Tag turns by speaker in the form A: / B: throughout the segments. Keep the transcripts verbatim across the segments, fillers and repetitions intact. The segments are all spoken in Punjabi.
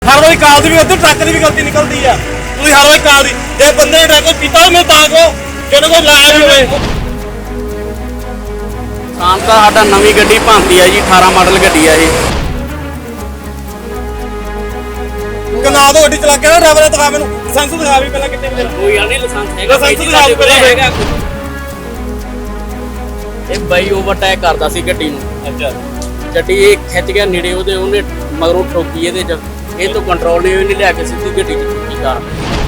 A: हर वारी कार की भी गलती ट्रक की भी गलती निकलती है। ਤੁਸੀਂ हर वारी कार की जे बंदे ने ड्राइवर पीता मैं ਤਾਂ ਕੋ ਜਿਹਨੇ ਕੋਈ ਲਾਇਆ ਵੀ ਹੋਵੇ।
B: ਸ਼ਾਮ ਤਾਂ ਸਾਡਾ ਨਵੀਂ ਗੱਡੀ ਭਾਂਤੀ ਆ ਜੀ, ਅਠਾਰਾਂ ਮਾਡਲ ਗੱਡੀ ਆ ਇਹ।
A: ਕਨਾ ਤੋਂ ਗੱਡੀ ਚਲਾ ਕੇ ਨਾ ਡਰਾਈਵਰ ਨੇ ਦਿਖਾ ਮੈਨੂੰ ਲਾਇਸੈਂਸ ਦਿਖਾ ਵੀ ਪਹਿਲਾਂ ਕਿੰਨੇ ਵਜੇ
B: ਕੋਈ ਗੱਲ ਨਹੀਂ, ਲਾਇਸੈਂਸ ਹੈਗਾ,
A: ਲਾਇਸੈਂਸ ਦਿਖਾ ਵੀ ਪਹਿਲਾਂ
B: ਹੈਗਾ। ਇਹ ਬਾਈ ਓਵਰਟੇਕ ਕਰਦਾ ਸੀ ਗੱਡੀ ਨੂੰ।
A: ਅੱਛਾ
B: ਗੱਡੀ ਇਹ ਖਿੱਚ ਗਿਆ ਨੇੜੇ, ਉਹਦੇ ਉਹਨੇ ਮਗਰੋਂ ਠੋਕੀ ਇਹਦੇ ਚ, ਇਹ ਤੋਂ ਕੰਟਰੋਲ ਨਹੀਂ ਨਹੀਂ ਲਿਆ ਕੇ ਸਿੱਧੀ ਗੱਡੀ ਚ ਠੋਕੀ ਕਾਰ।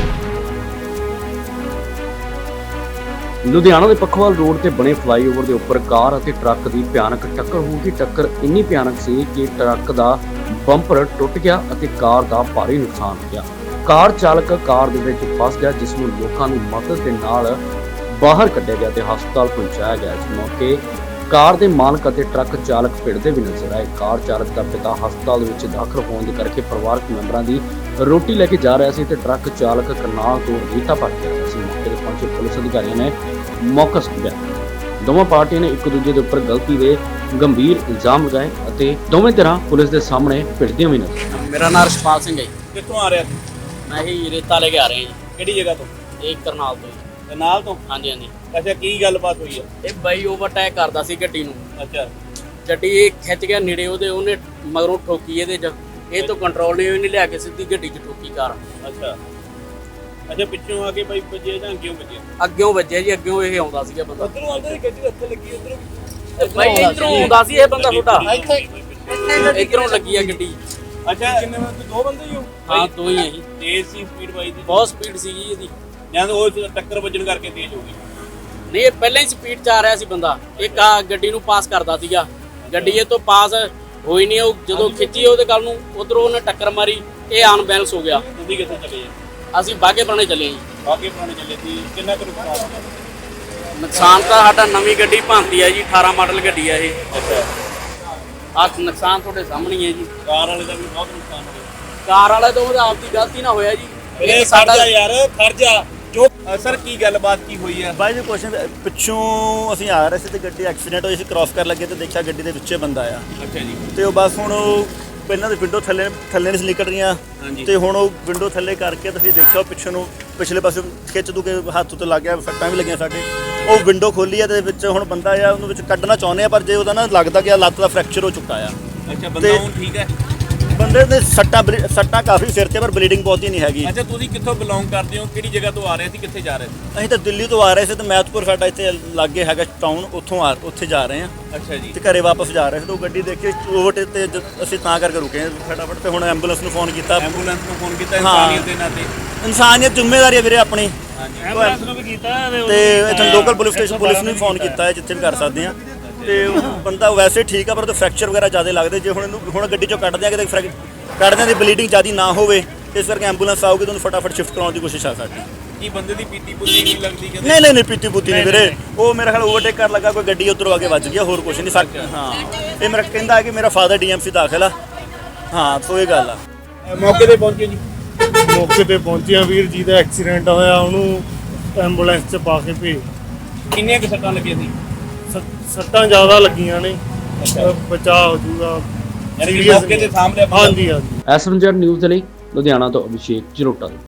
C: ਲੁਧਿਆਣਾ ਦੇ ਪੱਖੋਵਾਲ ਰੋਡ ਤੇ ਬਣੇ ਫਲਾਈਓਵਰ ਦੇ ਉੱਪਰ ਕਾਰ ਅਤੇ ਟਰੱਕ ਦੀ ਭਿਆਨਕ ਟੱਕਰ ਹੋ ਗਈ। ਟੱਕਰ ਇੰਨੀ ਭਿਆਨਕ ਸੀ ਕਿ ਟਰੱਕ ਦਾ ਬੰਪਰ ਟੁੱਟ ਗਿਆ ਅਤੇ ਕਾਰ ਦਾ ਭਾਰੀ ਨੁਕਸਾਨ ਹੋ ਗਿਆ। ਕਾਰ ਚਾਲਕ ਕਾਰ ਦੇ ਵਿੱਚ ਫਸ ਗਿਆ, ਜਿਸ ਨੂੰ ਲੋਕਾਂ ਦੀ ਮਦਦ ਦੇ ਨਾਲ ਬਾਹਰ ਕੱਢਿਆ ਗਿਆ ਤੇ ਹਸਪਤਾਲ ਪਹੁੰਚਾਇਆ ਗਿਆ। ਇਸ ਮੌਕੇ ਕਾਰ ਦੇ ਮਾਲਕ ਅਤੇ ਟਰੱਕ ਚਾਲਕ ਭਿੜਦੇ ਵੀ ਨਜ਼ਰ ਆਏ। ਕਾਰ ਚਾਲਕ ਦਾ ਪਿਤਾ ਹਸਪਤਾਲ ਦੇ ਵਿੱਚ ਦਾਖਲ ਹੋਣ ਦੇ ਕਰਕੇ ਪਰਿਵਾਰਕ ਮੈਂਬਰਾਂ ਦੀ ਰੋਟੀ ਲੈ ਕੇ ਜਾ ਰਿਹਾ ਸੀ ਤੇ ਟਰੱਕ ਚਾਲਕ ਕਰਨਾਲ ਤੋਂ ਰੀਤਾ ਭਰ ਕੇ ਰਿਹਾ ਸੀ। ਮੌਕੇ ਤੇ ਪਹੁੰਚੇ ਪੁਲਿਸ ਅਧਿਕਾਰੀਆਂ ਨੇ ਮੌਕਾ ਸੰਭਾਲਿਆ। ਦੋਵਾਂ ਪਾਰਟੀਆਂ ਨੇ ਇੱਕ ਦੂਜੇ ਦੇ ਉੱਪਰ ਗਲਤੀ ਦੇ ਗੰਭੀਰ ਇਲਜ਼ਾਮ ਲਗਾਏ ਅਤੇ ਦੋਵੇਂ ਧਿਰਾਂ ਪੁਲਿਸ ਦੇ ਸਾਹਮਣੇ ਭਿੜਦੀਆਂ ਵੀ ਨਜ਼ਰ ਆਈਆਂ।
B: ਮੇਰਾ ਨਾਮ ਰਸ਼ਪਾਲ ਸਿੰਘ ਹੈ ਜੀ।
A: ਕਿੱਥੋਂ ਆ ਰਿਹਾ ਸੀ?
B: ਮੈਂ ਹੀ ਰੇਤਾ ਲੈ ਕੇ ਆ ਰਿਹਾ ਜੀ,
A: ਕਿਹੜੀ ਜਗ੍ਹਾ ਤੋਂ?
B: ਇਹ ਕਰਨਾਲ ਤੋਂ ਜੀ।
A: ਤੇ ਨਾਲ ਤੋਂ?
B: ਹਾਂਜੀ ਹਾਂਜੀ।
A: ਅੱਛਾ ਕੀ ਗੱਲਬਾਤ ਹੋਈ ਹੈ?
B: ਇਹ ਬਾਈ ਓਵਰਟੇਕ ਕਰਦਾ ਸੀ ਗੱਡੀ ਨੂੰ।
A: ਅੱਛਾ
B: ਗੱਡੀ ਇਹ ਖਿੱਚ ਗਿਆ ਨੇੜੇ, ਉਹਦੇ ਉਹਨੇ ਮਗਰੋਂ ਠੋਕੀ ਇਹਦੇ ਚ, ਇਹ ਤੋਂ ਕੰਟਰੋਲ ਨਹੀਂ ਨਹੀਂ ਲਿਆ ਕੇ ਸਿੱਧੀ ਗੱਡੀ ਚ ਠੋਕੀ ਕਾਰ।
A: ਅੱਛਾ ਅੱਛਾ ਪਿੱਛੋਂ ਆ ਕੇ ਬਾਈ ਵੱਜੇ ਜਾਂ ਅੱਗਿਓਂ ਵੱਜੇ?
B: ਅੱਗਿਓਂ ਵੱਜਿਆ ਜੀ, ਅੱਗਿਓਂ ਇਹ ਆਉਂਦਾ ਸੀਗਾ ਬੰਦਾ।
A: ਉਧਰੋਂ ਆਉਂਦਾ ਸੀ ਗੱਡੀ ਉੱਥੇ ਲੱਗੀ, ਉਧਰੋਂ
B: ਬਾਈ ਇਧਰੋਂ ਆਉਂਦਾ ਸੀ ਇਹ ਬੰਦਾ ਛੋਟਾ,
A: ਇੱਥੇ
B: ਇਧਰੋਂ ਲੱਗੀ ਆ ਗੱਡੀ।
A: ਅੱਛਾ ਕਿੰਨੇ ਬੰਦੇ? ਦੋ ਬੰਦੇ ਹੀ ਹੋ?
B: ਹਾਂ ਦੋ ਹੀ ਆ ਜੀ।
A: ਤੇਜ਼ ਸੀ ਸਪੀਡ ਬਾਈ ਦੀ?
B: ਬਹੁਤ ਸਪੀਡ ਸੀਗੀ ਇਹਦੀ।
A: ਜਾਂ ਤਾਂ ਉਹ ਟੱਕਰ ਵੱਜਣ ਕਰਕੇ ਤੇਜ਼ ਹੋ ਗਈ?
B: ਨਹੀਂ, ਇਹ ਪਹਿਲਾਂ ਹੀ ਸਪੀਡ 'ਚ ਆ ਰਿਹਾ ਸੀ ਬੰਦਾ। ਇੱਕ ਆ ਗੱਡੀ ਨੂੰ ਪਾਸ ਕਰਦਾ ਸੀਗਾ, ਗੱਡੀ ਇਹ ਤੋਂ ਪਾਸ ਹੋਈ ਨਹੀਂ। ਉਹ ਜਦੋਂ ਖਿੱਚੀ ਉਹਦੇ ਗੱਲ ਨੂੰ, ਉਧਰੋਂ ਉਹਨੇ ਟੱਕਰ ਮਾਰੀ, ਇਹ ਅਨਬੈਲੈਂਸ ਹੋ ਗਿਆ।
A: ਤੁਸੀਂ ਕਿੱਥੇ ਚਲੇ ਜੀ?
B: ਅਸੀਂ ਬਾਗੇ ਪੁਰਾਣੇ ਚੱਲੇ ਜੀ।
A: ਬਾਗੇ ਪੁਰਾਣੇ ਚੱਲੇ ਸੀ। ਕਿੰਨਾ ਕੁ ਨੁਕਸਾਨ ਹੋਇਆ?
B: ਨੁਕਸਾਨ ਤਾਂ ਸਾਡਾ ਨਵੀਂ ਗੱਡੀ ਭਾਂਤੀ ਆ ਜੀ, ਅਠਾਰਾਂ ਮਾਡਲ ਗੱਡੀ ਆ ਇਹ।
A: ਅੱਛਾ
B: ਆਹ ਨੁਕਸਾਨ ਤੁਹਾਡੇ ਸਾਹਮਣੇ ਹੀ ਹੈ ਜੀ।
A: ਕਾਰ ਵਾਲੇ ਦਾ ਵੀ ਬਹੁਤ ਨੁਕਸਾਨ ਹੋਇਆ।
B: ਕਾਰ ਵਾਲੇ ਤੋਂ ਉਹਦਾ ਆਪਦੀ ਗਲਤੀ ਨਾ ਹੋਇਆ ਜੀ।
A: ਇਹ ਸਾਡਾ ਯਾਰ ਖਰਜਾ ਜੋ ਸਰ ਕੀ ਗੱਲਬਾਤ ਕੀ ਹੋਈ ਹੈ?
D: ਬਾਈ ਜੀ ਕੁਐਸਚਨ ਪਿੱਛੋਂ ਅਸੀਂ ਆ ਰਹੇ ਸੀ ਤੇ ਗੱਡੀ ਐਕਸੀਡੈਂਟ ਹੋਈ ਸੀ, ਕ੍ਰਾਸ ਕਰਨ ਲੱਗੇ ਤੇ ਦੇਖਿਆ ਗੱਡੀ ਦੇ ਵਿੱਚੇ ਬੰਦਾ ਆ।
A: ਅੱਛਾ ਜੀ।
D: ਤੇ ਉਹ ਬਸ ਹੁਣ ਉਹ ਪਹਿਲਾਂ ਦੇ ਵਿੰਡੋ ਥੱਲੇ ਥੱਲੇ ਨਹੀਂ ਸੀ ਨਿਕਲ ਰਹੀਆਂ
A: ਹਾਂਜੀ।
D: ਤੇ ਹੁਣ ਉਹ ਵਿੰਡੋ ਥੱਲੇ ਕਰਕੇ ਤੁਸੀਂ ਦੇਖਿਆ ਉਹ ਪਿੱਛੇ ਨੂੰ ਪਿਛਲੇ ਪਾਸੇ ਖਿੱਚ ਦੂ ਕੇ ਹੱਥ ਉੱਤੇ ਲੱਗ ਗਿਆ, ਸੱਟਾਂ ਵੀ ਲੱਗੀਆਂ ਸਾਡੇ। ਉਹ ਵਿੰਡੋ ਖੋਲੀ ਆ ਤੇ ਵਿੱਚ ਹੁਣ ਬੰਦਾ ਆ, ਉਹਨੂੰ ਵਿੱਚ ਕੱਢਣਾ ਚਾਹੁੰਦੇ ਆ, ਪਰ ਜੇ ਉਹਦਾ ਨਾ ਲੱਗਦਾ ਕਿ ਲੱਤ ਦਾ ਫ੍ਰੈਕਚਰ ਹੋ ਚੁੱਕਾ ਆ।
A: ਅੱਛਾ ਬੰਦਾ
D: ਤੇ-
A: ਹੁਣ ਠੀਕ ਹੈ?
D: ਬੰਦੇ ਦੇ ਸੱਟਾਂ ਬਲੀ- ਸੱਟਾਂ ਕਾਫੀ ਸਿਰ ਤੇ, ਪਰ ਬਲੀਡਿੰਗ ਬਹੁਤੀ ਨਹੀਂ ਹੈਗੀ।
A: ਅੱਛਾ ਤੁਸੀਂ ਕਿੱਥੋਂ ਬਿਲੋਂਗ ਕਰਦੇ ਹੋ? ਕਿਹੜੀ ਜਗ੍ਹਾ ਤੋਂ ਆ ਰਹੇ ਸੀ? ਕਿੱਥੇ ਜਾ ਰਹੇ ਸੀ?
D: ਅਸੀਂ ਤਾਂ ਦਿੱਲੀ ਤੋਂ ਆ ਰਹੇ ਸੀ ਤੇ ਮੈਥਪੁਰ ਸਾਡਾ ਇੱਥੇ ਲਾਗੇ ਹੈਗਾ ਟਾਊਨ, ਉੱਥੋਂ ਆ ਉੱਥੇ ਜਾ ਰਹੇ ਹਾਂ
A: ਅੱਛਾ ਜੀ।
D: ਤੇ ਘਰੇ ਵਾਪਸ ਜਾ ਰਹੇ ਸੀ ਤਾਂ ਉਹ ਗੱਡੀ ਦੇਖ ਕੇ ਓਵਰਟੇਕ ਤੇ ਜ- ਅਸੀਂ ਤਾਂ ਕਰਕੇ ਰੁਕੇ ਹਾਂ ਫਟਾਫਟ, ਤੇ ਹੁਣ ਐਂਬੂਲੈਂਸ ਨੂੰ ਫੋਨ ਕੀਤਾ।
A: ਐਂਬੂਲੈਂਸ ਨੂੰ ਫੋਨ ਕੀਤਾ
D: ਹਾਂ।
A: ਇਨਸਾਨੀਅਤ ਦੇ ਨਾਤੇ?
D: ਇਨਸਾਨੀਅਤ ਜ਼ਿੰਮੇਵਾਰੀ ਹੈ ਵੀਰੇ ਆਪਣੀ।
A: ਹਾਂਜੀ
D: ਐਂਬੂਲੈਂਸ ਨੂੰ ਵੀ ਕੀਤਾ ਤੇ ਇੱਥੇ ਲੋਕਲ ਪੁਲਿਸ ਸਟੇਸ਼ਨ ਪੁਲਿਸ ਨੂੰ ਵੀ ਫੋਨ ਕੀਤਾ ਹੈ, ਜਿੱਥੇ ਵੀ ਕਰ ਸਕਦੇ ਹਾਂ। ਤੇ ਉਹ ਬੰਦਾ ਵੈਸੇ ਠੀਕ ਆ, ਪਰ ਉਹ ਫ੍ਰੈਕਚਰ ਵਗੈਰਾ ਜ਼ਿਆਦਾ ਲੱਗਦੇ। ਜੇ ਹੁਣ ਇਹਨੂੰ ਹੁਣ ਗੱਡੀ ਚੋਂ ਕੱਢਦੇ ਆ ਕਿਤੇ ਫ੍ਰੈਕ ਕੱਢਦਿਆਂ ਦੀ ਬਲੀਡਿੰਗ ਜ਼ਿਆਦਾ ਨਾ ਹੋਵੇ, ਇਸ ਕਰਕੇ ਐਂਬੂਲੈਂਸ ਆਊਗੀ ਤੁਹਾਨੂੰ ਫਟਾਫਟ ਸ਼ਿਫਟ ਕਰਾਉਣ ਦੀ ਕੋਸ਼ਿਸ਼ ਆ ਸਾਡੀ।
A: ਕੀ ਬੰਦੇ ਦੀ ਪੀਤੀ ਪੁੱਤੀ ਨਹੀਂ ਲੱਗਦੀ ਕਦੇ?
D: ਨਹੀਂ ਨਹੀਂ ਨਹੀਂ ਪੀਤੀ ਪੁੱਤੀ ਨਹੀਂ ਵੀਰੇ, ਉਹ ਮੇਰਾ ਖਿਆਲ ਓਵਰਟੇਕ ਕਰ ਲੱਗਾ, ਕੋਈ ਗੱਡੀ ਉੱਧਰੋਂ ਆ ਕੇ ਵੱਜ ਗਿਆ, ਹੋਰ ਕੁਝ ਨਹੀਂ ਸਕ ਹਾਂ। ਇਹ ਮੇਰਾ ਕਹਿੰਦਾ ਕਿ ਮੇਰਾ ਫਾਦਰ ਡੀਐਮਸੀ ਦਾਖਲ ਆ। ਹਾਂ ਸੋ ਇਹ ਗੱਲ ਆ।
A: ਮੌਕੇ ਤੇ ਪਹੁੰਚੇ ਜੀ?
E: ਮੌਕੇ ਤੇ ਪਹੁੰਚਿਆ ਵੀਰ ਜੀ ਦਾ ਐਕਸੀਡੈਂਟ ਹੋਇਆ, ਉਹਨੂੰ ਐਂਬੂਲੈਂਸ 'ਚ ਪਾ ਕੇ ਭੇਜ।
A: ਕਿੰਨੀਆਂ ਕੁ ਸੱਟਾਂ ਲੱਗੀਆਂ ਸੀ?
E: ਸ- ਸੱਟਾਂ ਜ਼ਿਆਦਾ ਲੱਗੀਆਂ ਨੇ, ਬਚਾਅ ਹੋ ਜੂਗਾ।
A: ਯਾਨੀ ਕਿ ਮੌਕੇ ਤੇ ਸਾਹਮਣੇ?
E: ਹਾਂਜੀ ਹਾਂਜੀ।
C: ਐਸਐਮਜੈਡ ਨਿਊਜ਼ ਦੇ ਲਈ ਲੁਧਿਆਣਾ ਤੋਂ ਅਭਿਸ਼ੇਕ ਜਰੋਟਾ।